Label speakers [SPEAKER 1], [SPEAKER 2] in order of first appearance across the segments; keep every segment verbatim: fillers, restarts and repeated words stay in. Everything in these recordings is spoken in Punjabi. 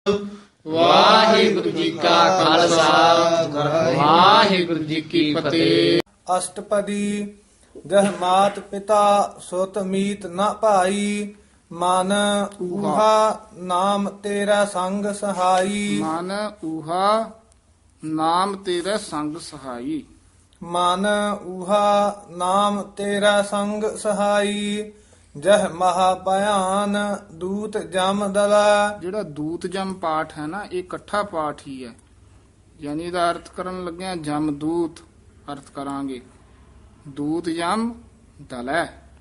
[SPEAKER 1] ਵਾਹਿਗੁਰੂ ਜੀ ਕਾ ਖਾਲਸਾ ਵਾਹਿਗੁਰੂ ਜੀ ਕੀ ਫਤਿਹ।
[SPEAKER 2] ਅਸ਼ਟਪਦੀ ਜਹ ਮਾਤ ਪਿਤਾ ਸੁਤ ਮੀਤ ਨ ਭਾਈ ਮਨ ਊਹਾ ਨਾਮ ਤੇਰਾ ਸੰਗ ਸਹਾਈ
[SPEAKER 1] ਮਨ ਊਹਾ ਨਾਮ ਤੇਰਾ ਸੰਗ ਸਹਾਈ।
[SPEAKER 2] ਮਨ ਊਹਾ ਨਾਮ ਤੇਰਾ ਸੰਗ ਸਹਾਈ ਜਹ ਮਹਾ ਭਿਆਨ ਦੂਤ ਜਮ ਦਲਾ।
[SPEAKER 1] ਜਿਹੜਾ ਦੂਤ ਜਮ ਪਾਠ ਹੈ ਨਾ, ਇਹ ਇਕੱਠਾ ਪਾਠ ਹੀ ਹੈ, ਯਾਨੀ ਇਹਦਾ ਅਰਥ ਕਰਨ ਲੱਗਿਆ ਜਮ ਦੂਤ ਅਰਥ ਕਰਾਂਗੇ। ਦੂਤ ਜਮ ਦਲੈ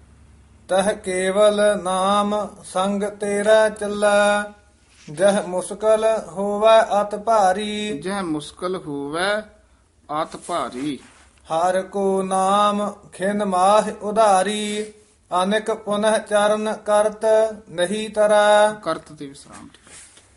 [SPEAKER 2] ਤਹ ਕੇਵਲ ਨਾਮ ਸੰਗ ਤੇਰਾ ਚੱਲਾ ਜਹ ਮੁਸਕਲ ਹੋਵੇ ਅਤ ਭਾਰੀ
[SPEAKER 1] ਜਹ ਮੁਸ਼ਕਲ ਹੋਵੇ ਆਤ ਭਾਰੀ।
[SPEAKER 2] ਹਰ ਕੋ ਨਾਮ ਖਿਨ ਮਾਹ ਉਧਾਰੀ ਅਨੇਕ ਪੁਨਹ ਚਰਨ ਕਰਤ ਨਹੀਂ ਤਰਾ।
[SPEAKER 1] ਕਰਤ ਤੇ ਵਿਸਰਾਮ ਠੀਕ।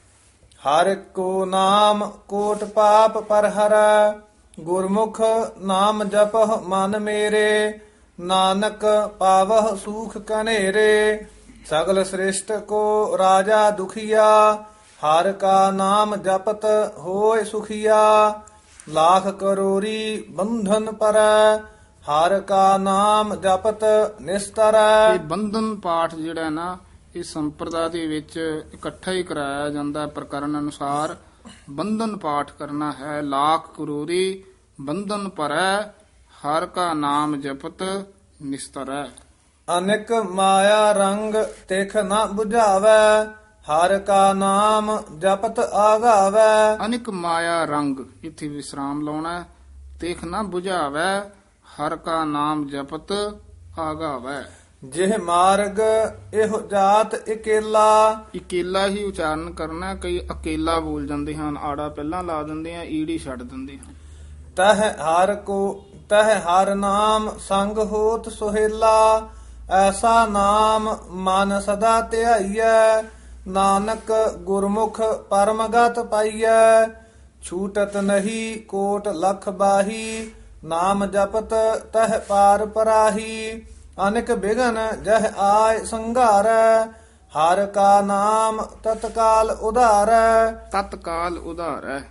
[SPEAKER 2] ਹਰ ਕੋ ਨਾਮ ਕੋਟ ਪਾਪ ਪਰ ਹਰੈ ਗੁਰਮੁਖ ਨਾਮ ਜਪਹ ਮਨ ਮੇਰੇ ਨਾਨਕ ਪਾਵਹ ਸੂਖ ਕਨੇਰੇ। ਸਗਲ ਸ੍ਰਿਸ਼ਟ ਕੋ ਰਾਜਾ ਦੁਖੀਆ ਹਰ ਕਾ ਨਾਮ ਜਪਤ ਹੋਏ ਸੁਖੀਆ ਲਾਖ ਕਰੋਰੀ ਬੰਧਨ ਪਰੈ ਹਰ ਕਾ ਨਾਮ ਜਪਤ ਨਿਸਤਰੈ।
[SPEAKER 1] ਇਹ ਬੰਧਨ ਪਾਠ ਜਿਹੜਾ ਨਾ, ਇਹ ਸੰਪਰਦਾ ਦੇ ਵਿੱਚ ਇਕੱਠਾ ਹੀ ਕਰਾਇਆ ਜਾਂਦਾ ਪ੍ਰਕਰਨ ਅਨੁਸਾਰ। ਬੰਧਨ ਪਾਠ ਕਰਨਾ ਹੈ। ਲਾਖ ਕਰੋਰੀ ਬੰਧਨ ਪਰੈ ਹਰ ਕਾ ਨਾਮ ਜਪਤ ਨਿਸਤਰੈ।
[SPEAKER 2] ਅਨੇਕ ਮਾਇਆ ਰੰਗ ਤਿਖ ਨ 부ਝਾਵੈ ਹਰ ਕਾ ਨਾਮ ਜਪਤ ਆਗਾਵੈ।
[SPEAKER 1] ਅਨਿਕ ਮਾਇਆ ਰੰਗ ਇੱਥੇ ਵਿਸਰਾਮ ਲਾਉਣਾ ਹੈ। ਤੇਖ ਨਾ 부ਝਾਵੈ ਹਰ ਕਾ ਨਾਮ ਜਪਤ ਆਗਾਵੈ।
[SPEAKER 2] ਜਿਹ ਮਾਰਗ ਇਹੋ ਜਾਤ ਇਕੇਲਾ
[SPEAKER 1] ਇਕੇਲਾ ਹੀ ਉਚਾਰਨ ਕਰਨਾ। ਕਈ ਅਕੇਲਾ ਬੋਲ ਜਾਂਦੇ ਹਨ, ਆੜਾ ਪਹਿਲਾਂ ਲਾ ਦਿੰਦੇ ਆ, ਈੜੀ ਛੱਡ ਦਿੰਦੇ ਹਨ।
[SPEAKER 2] ਤਹ ਹਰ ਕੋ ਤਹ ਹਰ ਨਾਮ ਸੰਗ ਹੋਤ ਸੁਹੇਲਾ ਐਸਾ ਨਾਮ ਮਨ ਸਦਾ ਧਿਆਈਐ ਨਾਨਕ ਗੁਰਮੁਖ ਪਰਮਗਤ ਪਾਈਐ। ਛੂਟਤ ਨਹੀਂ ਕੋਟ ਲਖ ਬਾਹੀ ਨਾਮ ਜਪਤ ਤਹ ਪਾਰ ਪਰਾਹੀ ਅਨੇਕ ਬਿਗਨ ਜਹ ਆਇ ਸੰਘਾਰੈ ਹਰ ਕਾ ਨਾਮ ਤਤਕਾਲ ਉਧਾਰੈ।
[SPEAKER 1] ਤਤਕਾਲ ਉਧਾਰੈ।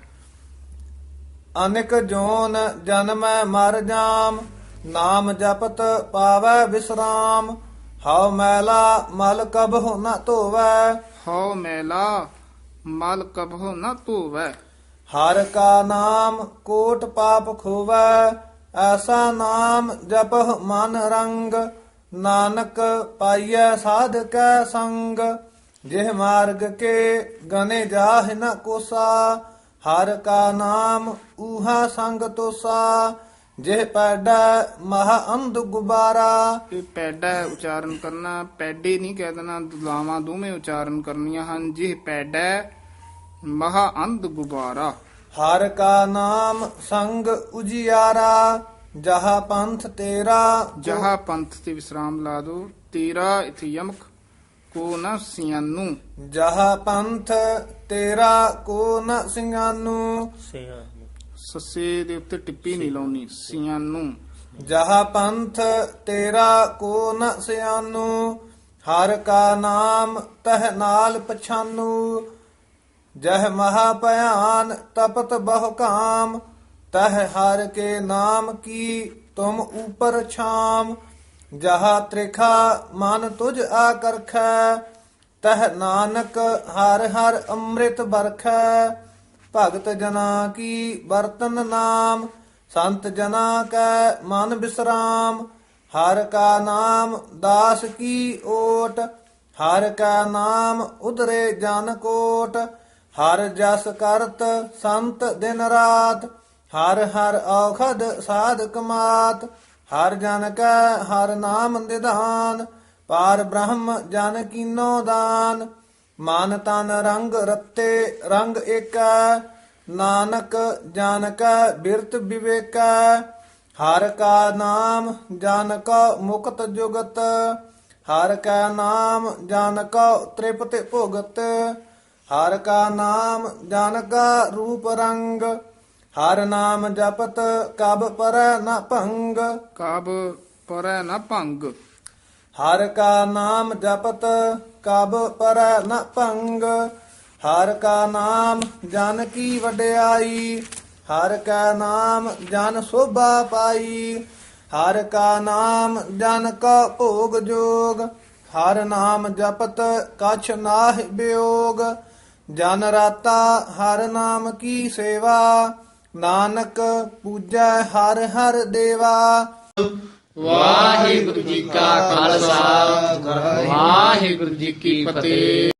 [SPEAKER 2] ਅਨੇਕ ਜੋਨ ਜਨਮੈ ਮਰ ਜਾਮ ਨਾਮ ਜਪਤ ਪਾਵੈ ਵਿਸਰਾਮ ਹਉ ਮੈਲਾ ਮਲ ਕਬਹੁ ਨ ਧੋਵੈ
[SPEAKER 1] ਹਉ ਮੈਲਾ ਮਲ ਕਬਹੁ ਨ ਧੋਵੈ।
[SPEAKER 2] ਹਰ ਕਾ ਨਾਮ ਕੋਟ ਪਾਪ ਖੋਵੈ ਐਸਾ ਨਾਮ ਜਪਹ ਮਨ ਰੰਗ ਨਾਨਕ ਪਾਈਐ ਸਾਧਕੈ ਸੰਗ। ਜਿਹ ਮਾਰਗ ਕੇ ਗਨੇ ਜਾਹਿ ਨ ਕੋਸਾ ਹਰ ਕਾ ਨਾਮ ਊਹਾ ਸੰਗ ਤੋਸਾ। ਜਿਹ ਪੈਡਾ ਮਹਾ ਅੰਧ ਗੁਬਾਰਾ।
[SPEAKER 1] ਇਹ ਪੈਡਾ ਉਚਾਰਨ ਕਰਨਾ, ਪੈਡੇ ਨਹੀਂ ਕਹਿ ਦੇਣਾ, ਦੁਲਾਵਾਂ ਦੋਵੇਂ ਉਚਾਰਨ ਕਰਨੀਆਂ ਹਨ। ਜਿਹ ਪੈਡਾ ਮਹਾ ਅੰਧ ਗੁਬਾਰਾ।
[SPEAKER 2] ਹਰ ਕਾ ਨਾਮ ਸੰਗ ਉਜਿਆਰਾ ਜਹਾ ਪੰਥ ਤੇਰਾ
[SPEAKER 1] ਜਹਾ ਪੰਥ ਤੇ ਵਿਸਰਾਮ ਲਾ ਦੋ। ਤੇਰਾ ਇਥੇ ਯਮਕ ਕੋ ਨ ਸਿਆਨੂ।
[SPEAKER 2] ਜਹਾ ਪੰਥ ਤੇਰਾ ਕੋ ਨ ਸਿੰਘਾਨੂ
[SPEAKER 1] ਸੱਸੇ ਦੇ ਉੱਤੇ ਟਿੱਪੀ ਨਹੀਂ ਲਾਉਣੀ, ਸਿਆਨੂ।
[SPEAKER 2] ਜਹਾ ਪੰਥ ਤੇਰਾ ਕੋ ਨ ਸਿਆਨੂ ਹਰ ਕਾ ਨਾਮ ਤਹ ਨਾਲ ਪਛਾਨੂ। ਜਹ ਮਹਾ ਭਿਆਨ ਤਪਤ ਬਹੁ ਕਾਮ ਤਹ ਹਰ ਕੇ ਨਾਮ ਕੀ ਤੁਮ ਉਪਰ ਛਾਮ। ਜਹਾ ਤ੍ਰਿਖਾ ਮਨ ਤੁਝ ਆਕਰਖੈ ਤਹ ਨਾਨਕ ਹਰ ਹਰ ਅੰਮ੍ਰਿਤ ਬਰਖੈ। ਭਗਤ ਜਨਾ ਕੀ ਬਰਤਨ ਨਾਮ ਸੰਤ ਜਨਾ ਕੈ ਮਨ ਬਿਸਰਾਮ। ਹਰ ਕਾ ਨਾਮ ਦਾਸ ਕੀ ਓਟ ਹਰ ਕਾ ਨਾਮ ਉਧਰੇ ਜਨ ਕੋਟ। ਹਰ ਜਸ ਕਰਤ ਸੰਤ ਦਿਨ ਰਾਤ ਹਰ ਹਰ ਔਖਦ ਸਾਧਕ ਮਾਤ। ਹਰ ਜਨ ਕੈ ਹਰ ਨਾਮ ਨਿਧਾਨ ਪਾਰ ਬ੍ਰਹਮ ਜਨ ਕੀਨੋ ਦਾਨ। ਮਨ ਤਨ ਰੰਗ ਰਤੇ ਰੰਗ ਏਕੈ ਨਾਨਕ ਜਨ ਕੈ ਬਿਰਤ ਵਿਵੇਕੈ। ਹਰ ਕਾ ਨਾਮ ਜਨ ਕਾ ਮੁਕਤ ਜੁਗਤ ਹਰ ਕਾ ਨਾਮ ਜਨ ਕਾ ਤ੍ਰਿਪਤ ਭੁਗਤ। ਹਰ ਕਾ ਨਾਮ ਜਨ ਕਾ ਰੂਪ ਰੰਗ ਹਰ ਨਾਮ ਜਪਤ ਕਬ ਪਰੈ ਨ ਭੰਗ।
[SPEAKER 1] ਕਬ ਪਰੈ ਨ ਭੰਗ।
[SPEAKER 2] ਹਰ ਕਾ ਨਾਮ ਜਪਤ ਕਬ ਪਰੈ ਨ ਭੰਗ। ਹਰ ਕਾ ਨਾਮ ਜਨ ਕੀ ਵਡਿਆਈ, ਹਰ ਕਾ ਨਾਮ ਜਨ ਸੋਭਾ ਪਾਈ, ਹਰ ਕਾ ਨਾਮ ਜਨ ਕਾ ਭੋਗ ਜੋਗ, ਹਰ ਨਾਮ ਜਪਤ ਕਛ ਨਾਹਿ ਬਿਯੋਗ, ਜਨ ਰਾਤਾ ਹਰ ਨਾਮ ਕੀ ਸੇਵਾ, ਨਾਨਕ ਪੂਜੈ ਹਰ ਹਰ ਦੇਵਾ।
[SPEAKER 1] ਵਾਹਿਗੁਰੂ ਜੀ ਕਾ ਖਾਲਸਾ ਵਾਹਿਗੁਰੂ ਜੀ ਕੀ ਫਤਿਹ।